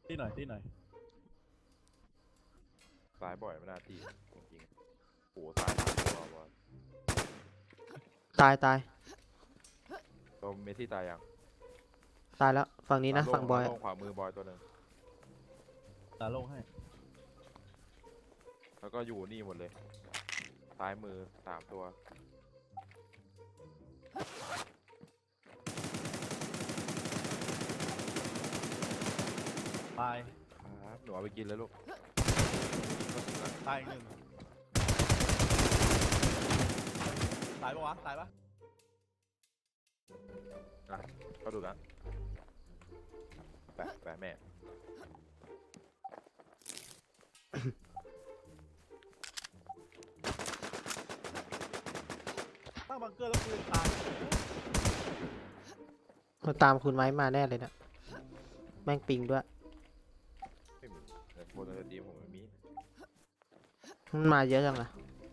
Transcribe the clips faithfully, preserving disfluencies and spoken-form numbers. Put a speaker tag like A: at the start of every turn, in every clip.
A: ที่หน่อยที่หน่อย
B: สายบ่อยไม่น่าตีจริงๆโอ้สายตัวบอล
C: ตายตาย
B: ตัวเมสซี่ตายยัง
C: ตายแล้วฝั่งนี้นะฝั่งบอย
B: ลงขวามือบอยตัวหนึ่ง
A: ตาโล่งให้
B: แล้วก็อยู่นี่หมดเลยซ้ายมือสามตัว
A: ตาย
B: ครับหนูเอาไปกินเลยลูก
A: ตายอีกหนึ่งตายปะวะตายปะ
B: อ่ะเขาดูนะแปะแปะแม่
A: ตั้งบังเกอร์แล้วปืนตาย
C: มาตามคุณไม้มาแน่เลยนะแม่งปิงด้วย
B: ไม่มีแต่โฟนจะดีผมไม่มี
C: มันมาเยอะจังอะ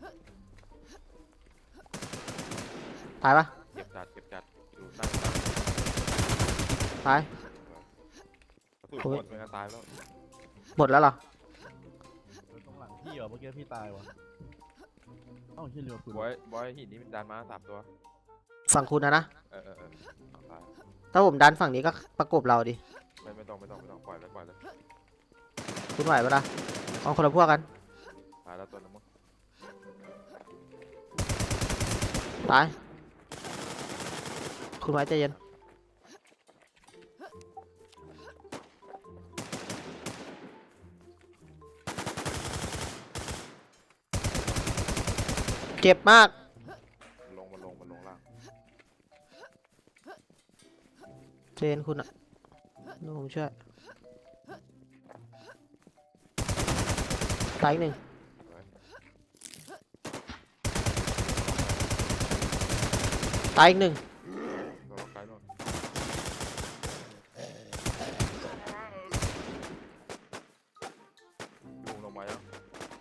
C: ตายปะ
B: เก็บจัดเก็บจัดดูตั้งตั้ง
C: ตาย
B: กระสุนหมดเป็นการตายแล้ว
C: หมดแล้วเหรอ
A: ตรงหลังพี่เหรอเมื่อกี้พี่ตายวะเอ้าเชี่ยเรือปืน
B: บอยบอยหินนี้มันดันมาสามตัว
C: ฝั่งคุณนะนะ
B: เออเออเออเอาตาย
C: ถ้าผมดันฝั่งนี้ก็ประกบเราดิ
B: ไม่ไม่ต้องไม่ต้องไม่ต้องปล่อยเลยปล่อยเลย
C: คุณไหวปะล่ะเอาคนละพวกกัน
B: ตายแล้วตัวนึงมั้ง
C: ตายคุณไม้ใจเย็นเจ็บมาก
B: ลงมาลงมาลงล่าง
C: เจนคุณอะเดี๋ยวผมช่วยตายอีกหนึ่งตายอีกหนึ่ง
B: ตัวล็อกไกด์โน่นลงลงมายัง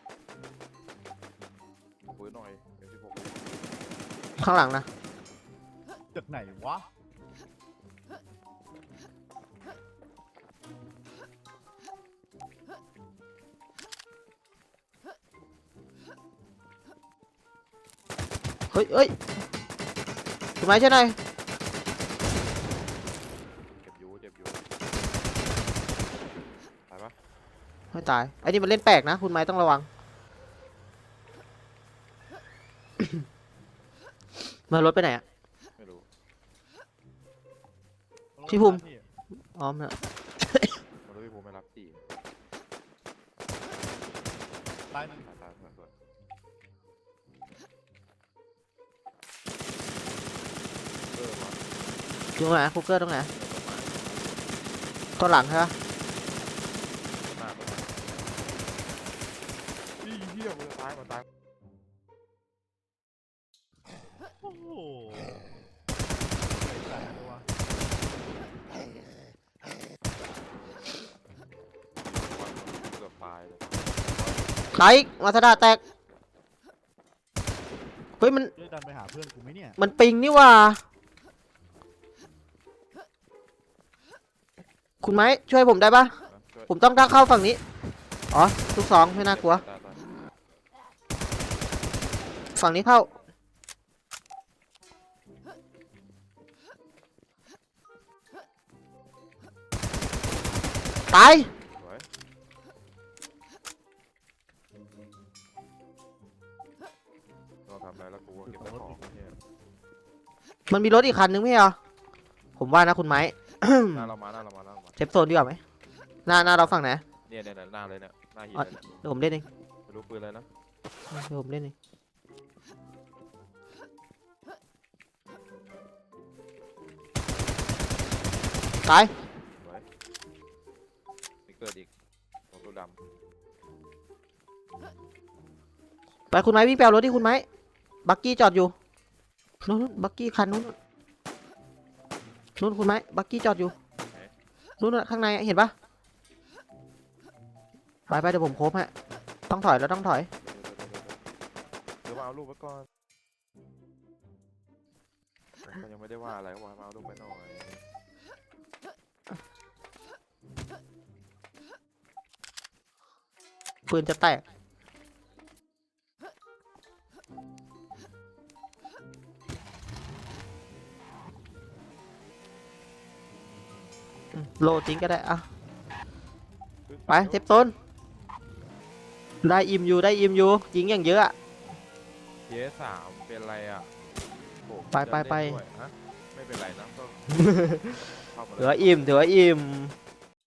B: ปืนหน่อยเอ็มสิบหก
C: ข้างหลังนะ
A: จากไหนวะ
C: เฮ้ยเฮ้ยคุณไม้ช่วยหน่อย
B: เจ็บอยู่เจ็บอยู่ตายปะ
C: ไม่ตายไอ้นี่มันเล่นแปลกนะคุณไม้ต้องระวัง มารถไปไหนอะ
B: ไม่รู้
C: พี่ภูมิ อ๋อมน
B: มันรู้พี่ภูมิไม่รับตี
A: ตายหนึ่ง
B: ตายตายตายตายเออว่ะ
C: อยู่ตรงไหนคุกเกอร์ตรงไหนตัวหลังใช่ปะ
B: มากเลยนี่เหี้ยมันจะตายมันตาย
A: โอ้โหตายแล้ววะ
B: เกือบตายเลย
C: ตายอีกมาสดาแตกเฮ้ยมัน
A: ช่วยดันไปหาเพื่อนกูไหมเนี่ย
C: มันปิงนี่หว่าคุณไม้ช่วยผมได้ปะ
B: นะช่วย
C: ผมต้องเข้าฝั่งนี้อ๋อทุกสองไม่น่ากลัว
B: ตายตาย
C: ฝั่งนี้เข้าตาย
B: สวยเราทำอะไรแล้วกูก็เก็บแต่ของเนี่ย
C: มันมีรถอีกคันนึงไม่เหรอผมว่านะคุณไม้
B: หน้าเรามาหน้าเรามาหน้าเรามา
C: เซฟโซนดีกว่าไหมหน้าหน้าเราฝั่งไหน
B: เนี่ยเนี่ยเนี่ยหน้าเลยเนี่ยหน้าหิน
C: อ๋อ
B: เลยเนี่ย
C: เดี๋ยวผมเล่นเอง
B: ไม่รู้ปืนอะไรนะ
C: เดี๋ยวผมเล่นเองตาย
B: สวยมีเกิดอีกตัวตัวด
C: ไปคุณไม้วิ่งไปเอารถที่คุณไม้บักกี้จอดอยู่นู้นนู้นบักกี้คันนู้นนู้นคุณไม้บักกี้จอดอยู่นู้นน่ะข้างในอะเห็นปะไปไปเดี๋ยวผมโคบฮะต้องถอยแล้วต้องถอย
B: ำเดี๋ยวมาเอาลูกไว้ก่อนก็ยังไม่ได้ว่าอะไรก็ว่ามาเอาลูกไปหน่อย
C: ปืนจะแตกอืมโลทิ้งก็ได้อะไปเทปต้นได้อิ่มอยู่ได้อิ่มอยู่ยิงอย่างเยอะอะ
B: เยสามเป็นไรอ่ะโอ้
C: ไปไปไป
B: จะเล่นด้วยฮะไม่เป็นไรนะก็ เข้ามา
C: ถือว่าอิ่มถือว่าอิ่ม
B: เ